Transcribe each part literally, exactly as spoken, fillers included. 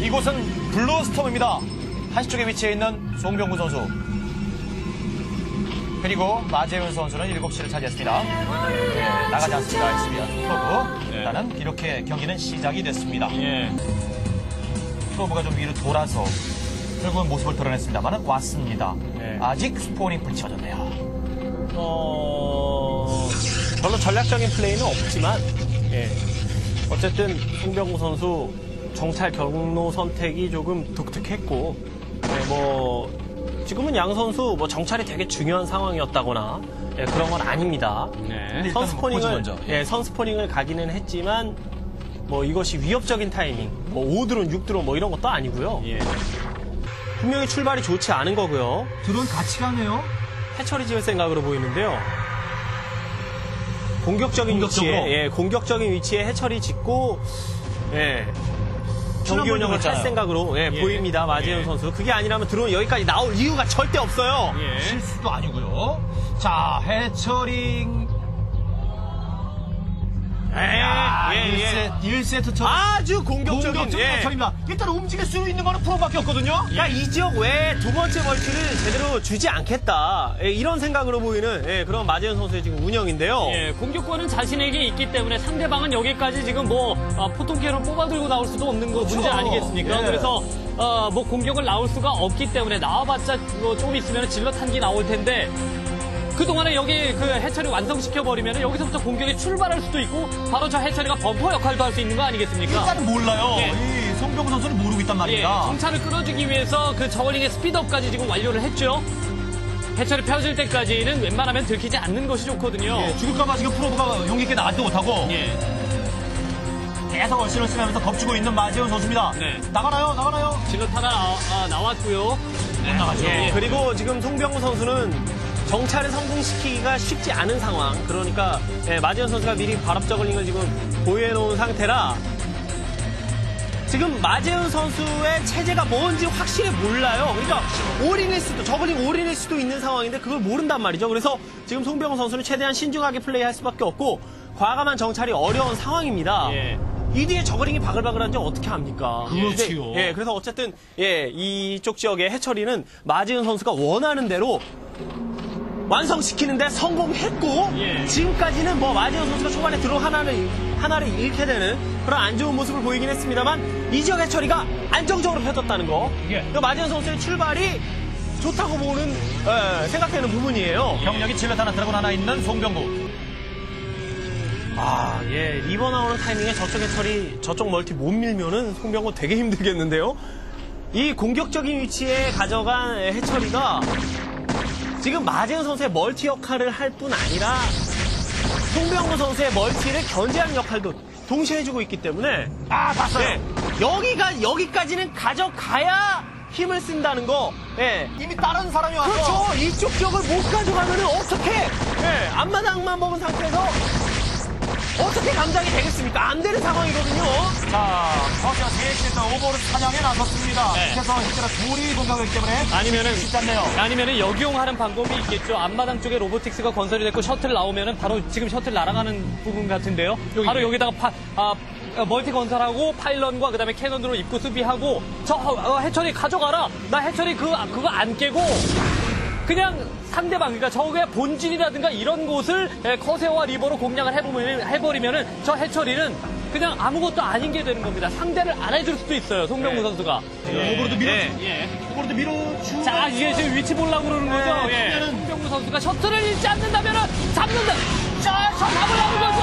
이곳은 블루스톰입니다. 한시 쪽에 위치해 있는 송병구 선수. 그리고 마재윤 선수는 일곱 시를 차지했습니다. 네, 나가지 않습니다. 에스비아 프로브. 네. 일단은 이렇게 경기는 시작이 됐습니다. 예. 프로브가 좀 위로 돌아서 결국은 모습을 드러냈습니다만 왔습니다. 네. 아직 스포닝 불이 쳐졌네요. 어, 별로 전략적인 플레이는 없지만, 예. 어쨌든 송병구 선수 정찰 경로 선택이 조금 독특했고, 예, 뭐 지금은 양 선수 뭐 정찰이 되게 중요한 상황이었다거나 예, 그런 건 아닙니다. 네. 선스포닝을 먼저. 예, 선스포닝을 가기는 했지만 뭐 이것이 위협적인 타이밍, 뭐 오 드론, 육 드론 뭐 이런 것도 아니고요. 예. 분명히 출발이 좋지 않은 거고요. 드론 같이 가네요. 해처리 지을 생각으로 보이는데요. 공격적인 공격적으로. 위치에, 예, 공격적인 위치에 해처리 짓고, 예, 경기 운영을 할 그랬잖아요. 생각으로 예, 예. 보입니다. 마재윤 예. 선수. 그게 아니라면 드론 여기까지 나올 이유가 절대 없어요. 예. 실수도 아니고요. 자, 해처링. 예, 야, 예, 예. 일 세트, 일 세트처럼 아주 공격적인, 공격적인 예. 해처리입니다. 일단 움직일 수 있는 거는 프로밖에 없거든요. 그러니까 이 지역 외에 두 번째 멀티를 제대로 주지 않겠다. 예, 이런 생각으로 보이는 예, 그런 마재윤 선수의 지금 운영인데요. 예, 공격권은 자신에게 있기 때문에 상대방은 여기까지 지금 뭐 아, 포통캐논 뽑아들고 나올 수도 없는 거 문제 아니겠습니까? 예. 그래서 어, 뭐 공격을 나올 수가 없기 때문에 나와봤자 뭐 좀 있으면 질럿 한 기 나올 텐데 그동안에 여기 그 해처리 완성시켜 버리면 여기서부터 공격이 출발할 수도 있고 바로 저 해처리가 범퍼 역할도 할 수 있는 거 아니겠습니까? 일단은 몰라요. 예. 이 송병구 선수는 모르고 있단 예, 말입니다. 정찰을 끌어주기 위해서 그 저글링의 스피드업까지 지금 완료를 했죠. 해처리 펴질 때까지는 웬만하면 들키지 않는 것이 좋거든요. 예, 죽을까봐 지금 프로브가 용기 있게 나가지도 못하고 예. 계속 얼씬을 쓰면서 덮치고 있는 마재훈 선수입니다. 네. 나가나요? 나가나요? 질럿 하나 나, 아, 나왔고요. 못 나가죠. 예, 그리고 지금 송병구 선수는 정찰을 성공시키기가 쉽지 않은 상황. 그러니까 예, 마재현 선수가 미리 발업 저글링을 지금 보유해 놓은 상태라 지금 마재현 선수의 체제가 뭔지 확실히 몰라요. 그러니까 올인일 수도 저글링 올인일 수도 있는 상황인데 그걸 모른단 말이죠. 그래서 지금 송병구 선수는 최대한 신중하게 플레이할 수밖에 없고 과감한 정찰이 어려운 상황입니다. 예. 이 뒤에 저글링이 바글바글한지 어떻게 합니까? 그렇지요. 근데, 예, 그래서 어쨌든 예, 이쪽 지역의 해처리는 마지은 선수가 원하는 대로 완성시키는데 성공했고 예. 지금까지는 뭐 마지은 선수가 초반에 드론 하나를 하나를 잃게 되는 그런 안 좋은 모습을 보이긴 했습니다만 이 지역 해처리가 안정적으로 펴졌다는 거. 예. 그 마지은 선수의 출발이 좋다고 보는 예, 생각되는 부분이에요. 경력이 질럿 하나 드래곤 하나 있는 송병구. 아, 예, 리버 나오는 타이밍에 저쪽 해처리, 저쪽 멀티 못 밀면은 송병구 되게 힘들겠는데요? 이 공격적인 위치에 가져간 해처리가 지금 마재현 선수의 멀티 역할을 할 뿐 아니라 송병구 선수의 멀티를 견제하는 역할도 동시에 해주고 있기 때문에 아, 봤어요. 네, 여기가, 여기까지는 가져가야 힘을 쓴다는 거, 예. 이미 다른 사람이 와서. 그렇죠. 이쪽 지역을 못 가져가면은 어떻게, 예, 앞마당만 먹은 상태에서 어떻게 감당이 되겠습니까? 안 되는 상황이거든요. 자, 허시가 세시에서 오버를 사냥에 나섰습니다. 네. 그래서 현재는 둘이 공격하기 때문에 아니면은 쉽지 않네요. 아니면은 역용하는 방법이 있겠죠. 앞마당 쪽에 로보틱스가 건설이 됐고 셔틀 나오면은 바로 지금 셔틀 날아가는 부분 같은데요. 바로 여기다가 파, 아, 멀티 건설하고 파일런과 그다음에 캐논으로 입구 수비하고 저 어, 해처리 가져가라. 나 해처리 그 그거 안 깨고 그냥 상대방, 그러니까 적의 본진이라든가 이런 곳을 예, 커세어와 리버로 공략을 해보면, 해버리면은 저 해처리는 그냥 아무것도 아닌 게 되는 겁니다. 상대를 안 해줄 수도 있어요, 송병구 선수가. 오버로도 밀어, 예, 예. 오버로도 밀어주고. 자, 이게 지금 위치 보려고 그러는 거죠? 네, 예. 그러면은- 송병구 선수가 셔틀을 잃지 않는다면은 잡는다! 자, 저 잡으려는 거죠!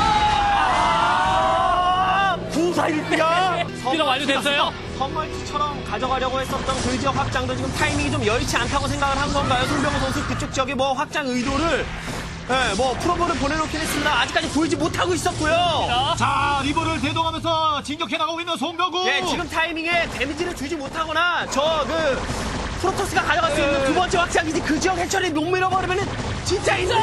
아, 구사일비야. 스피드 완료됐어요? 선멀티처럼 가져가려고 했었던 그 지역 확장도 지금 타이밍이 좀 여의치 않다고 생각을 한 건가요? 송병호 선수 그쪽 지역에 뭐 확장 의도를 예, 뭐 프로브를 보내놓긴 했습니다. 아직까지 보이지 못하고 있었고요. 자, 리버를 대동하면서 진격해 나가고 있는 송병구. 예, 지금 타이밍에 데미지를 주지 못하거나 저 그 프로토스가 가져갈 수 있는 두 번째 확장기지 그 지역 해처리 못 밀어버리면은 진짜 인생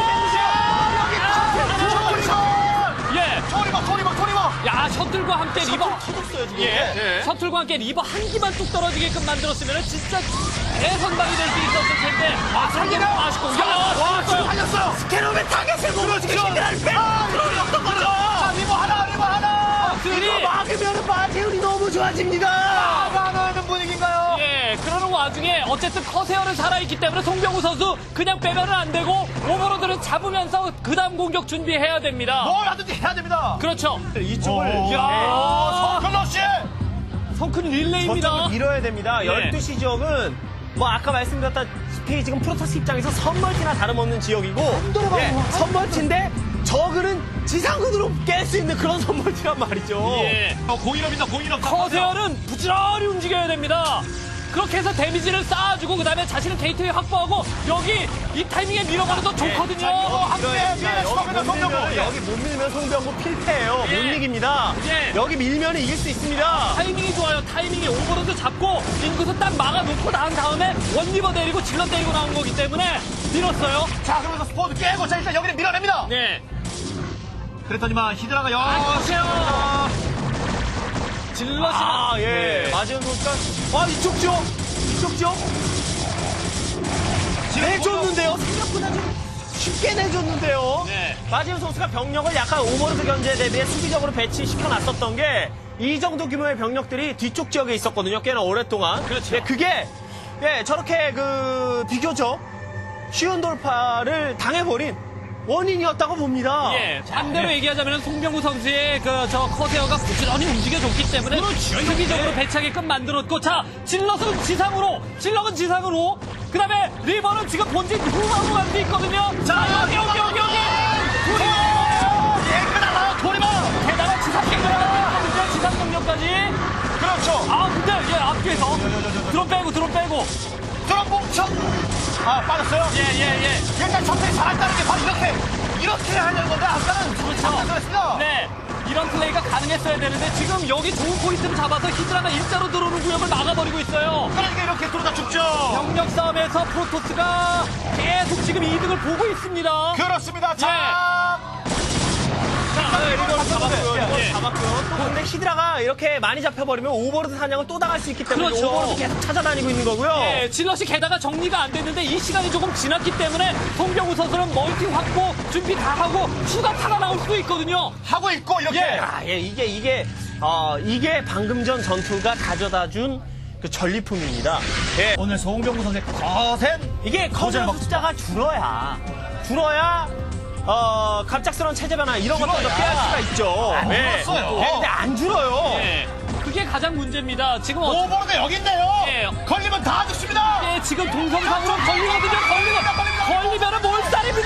예. 소리봐, 소리봐, 소리봐. 야, 셔틀과 함께 리버. 터졌어요 지금. 예. 셔틀과 함께 리버 한 기만 뚝 떨어지게끔 만들었으면 진짜 대선방이 될 수 있었을 텐데. 아, 상대방 아쉽고. 야, 와, 지금 와, 살렸어요. 스캐너의 타겟을 못 그렇죠. 지키는 아, 어떤 거죠? 자, 리버 하나, 리버 하나. 들이 이거 막으면 마재훈이 너무 좋아집니다. 나가는 와중에 어쨌든 커세어는 살아있기 때문에 송병우 선수 그냥 빼면은 안 되고 오버로드를 잡으면서 그 다음 공격 준비해야 됩니다. 뭘 하든지 해야 됩니다. 그렇죠. 이쪽을 오, 예, 야, 성클러 씨. 성큰 릴레이입니다. 저쪽을 밀어야 됩니다. 예. 열두 시 지역은 뭐 아까 말씀드렸다시피 지금 프로토스 입장에서 선멀티나 다름없는 지역이고 예, 선멀티인데 저그는 지상군으로 깰 수 있는 그런 선멀티란 말이죠. 예. 어, 공일업입니다. 공일업. 커세어는 부지런히 움직여야 됩니다. 그렇게 해서 데미지를 쌓아주고 그 다음에 자신은 게이트웨이 확보하고 여기 이 타이밍에 밀어버려도 좋거든요. 함께 밀어야 밀어 여기 쳐가면 못 밀면, 송병구. 여기 못 밀면 송병구 필패예요. 예. 못 이깁니다. 예. 여기 밀면 이길 수 있습니다. 타이밍이 좋아요. 타이밍이 오버로드 잡고 인구수 딱 막아놓고 나온 다음에 원리버 내리고 질러 때리고 나온 거기 때문에 밀었어요. 자, 그러면서 스포드 깨고 자 일단 여기는 밀어냅니다. 네. 그랬더니만 히드라가 아, 여. 커세어. 질럿이 아, 예. 마지은 선수가, 아, 이쪽 지역! 이쪽 지역! 내줬는데요? 생각보다 좀 쉽게 내줬는데요? 네. 마지은 선수가 병력을 약간 오버로드 견제 대비해 수비적으로 배치시켜 놨었던 게 이 정도 규모의 병력들이 뒤쪽 지역에 있었거든요. 꽤나 오랫동안. 그렇죠. 예, 그게, 예, 저렇게 그, 비교적 쉬운 돌파를 당해버린 원인이었다고 봅니다. 예, 반대로 얘기하자면 송병구 선수의 그 저 커세어가 부지런히 움직여줬기 때문에 수비적으로 배치하게끔 만들었고, 자 질럿은 지상으로, 질럿은 지상으로, 그 다음에 리버는 지금 본진 후방으로 가고 있거든요. 자 여기 여기 여기 여기 둘이 예쁘다. 도리마. 게다가 지상 공격까지, 지상 공격까지. 그렇죠. 아 근데 예 앞뒤에서 드론 빼고 드론 빼고. 드럼 뭉쳐. 아, 빠졌어요. 예예 예. 일단 정찰이 잘한다는 게 바로 이렇게 이렇게 하려는 건데 아까는 잠깐 그랬습니다. 네. 이런 플레이가 가능했어야 되는데 지금 여기 좋은 포인트를 잡아서 히드라가 일자로 들어오는 구역을 막아버리고 있어요. 그러니까 이렇게 들어다 죽죠. 병력 싸움에서 프로토스가 계속 지금 이득을 보고 있습니다. 그렇습니다. 자, 자, 이걸 잡았고요. 예. 이걸 잡았고요. 또 근데 히드라가 이렇게 많이 잡혀버리면 오버로드 사냥을 또 당할 수 있기 때문에 그렇죠. 오버로드 계속 찾아다니고 있는 거고요. 예, 질럿이 게다가 정리가 안 됐는데 이 시간이 조금 지났기 때문에 송병우 선수는 멀티 확보 준비 다 하고 추가 타가 나올 수도 있거든요. 하고 있고 이렇게. 예, 아, 예, 이게 이게 어 이게 방금 전 전투가 가져다준 그 전리품입니다. 예, 오늘 송병구 선수의 거센 이게 거절 커져 먹- 숫자가 줄어야 줄어야 어 갑작스러운 체제 변화 이런 것들도 줄어야. 피할 수가 있죠. 안 예. 줄었어요. 예, 근데 안 줄어요. 예, 그게 가장 문제입니다. 지금 어, 오버로드 여기 있네요. 예. 걸리면 다 죽습니다. 예, 지금 동성상으로 걸리거든요. 걸리면 걸리면은 몰살입니다.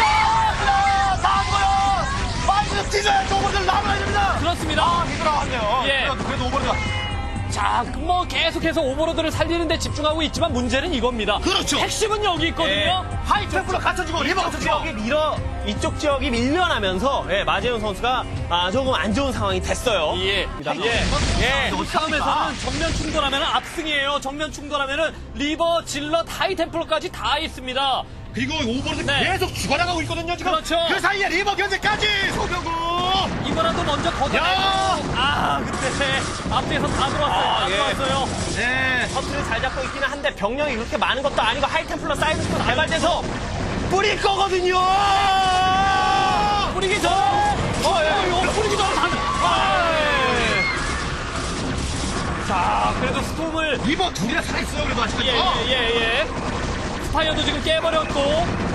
다 죽어요. 빨리 뛰어야 오버로드 나눠야 됩니다. 그렇습니다. 아, 힘들어왔네요. 예. 그래도, 그래도 오버로드가. 자, 뭐 계속해서 오버로드를 살리는데 집중하고 있지만 문제는 이겁니다. 그렇죠. 핵심은 여기 있거든요. 하이템플로 갖춰지고 리버 이쪽 갖춰지고. 지역이 밀어 이쪽 지역이 밀려나면서 예, 마재훈 선수가 아, 조금 안 좋은 상황이 됐어요. 예. 예. 예. 이 싸움에서는 정면 충돌하면 압승이에요. 정면 충돌하면 리버, 질럿, 하이템플러까지 다 있습니다. 그리고 오버로드 네. 계속 죽어나가고 있거든요, 지금. 그렇죠. 그 사이에 리버 견제까지. 송병구. 이거라도 먼저 걷어내고. 야! 아, 근데 앞뒤에서 다 들어왔어요. 아, 다 예. 들어왔어요. 네. 커트를 잘 잡고 있기는 한데 병력이 그렇게 많은 것도 아니고 하이템플러 사이드스도 개발돼서 뿌릴 거거든요. 뿌리기 전. 어, 예. 이거 뿌리기 전에 다. 아, 예. 자, 그래도 스톰을. 리버 둘이나 살아있어요, 그래도 아직까지. 예, 예, 예, 예. 스파이어도 지금 깨버렸고.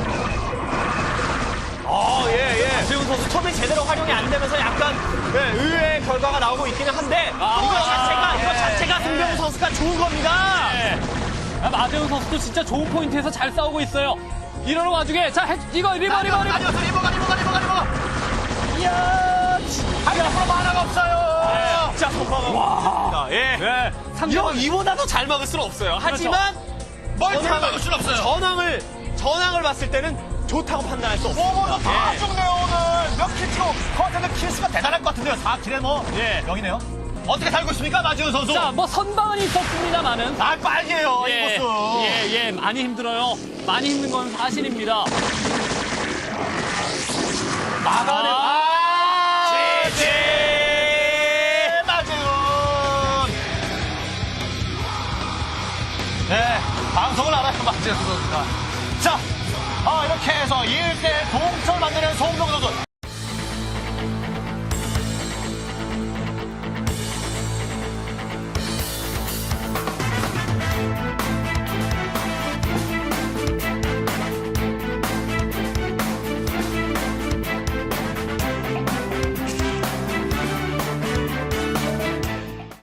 아, 예, 예. 지금 선수 처음에 제대로 활용이 안 되면서 약간 예, 의외의 결과가 나오고 있기는 한데 아, 이거 아, 자체가 이거 예, 자체가 예. 송병우 선수가 좋은 겁니다. 네. 아, 마재훈 선수도 진짜 좋은 포인트에서 잘 싸우고 있어요. 이러는 와중에 자 해, 이거 리버 리버 리버. 아니었어, 리버가, 리버가, 리버가, 리버가. 이야, 하이템플로 만화가 없어요. 진짜 선방하고 있습니다. 예. 네. 이거 상대방 이보다도 잘 막을 수는 없어요. 하지만 멀티를 막을 수는 없어요. 전황을 전황을 봤을 때는 좋다고 판단할 수 없습니다. 오버로드 다 예. 죽네요, 오늘. 몇 킬치고 커트는 킬수가 대단할 것 같은데요. 사 킬에 뭐. 예. 여기네요. 어떻게 살고 있습니까, 마지훈 선수? 자, 뭐 선방은 있었습니다만은. 아, 빨개요, 예, 이 모습. 예, 예, 많이 힘들어요. 많이 힘든 건 사실입니다. 막아내. 아, 아, 지지. 마지훈. 네, 방송을 알아요, 마지훈 선수가. 자, 아, 이렇게 해서 일 대 동점 만드는 송병구 선수.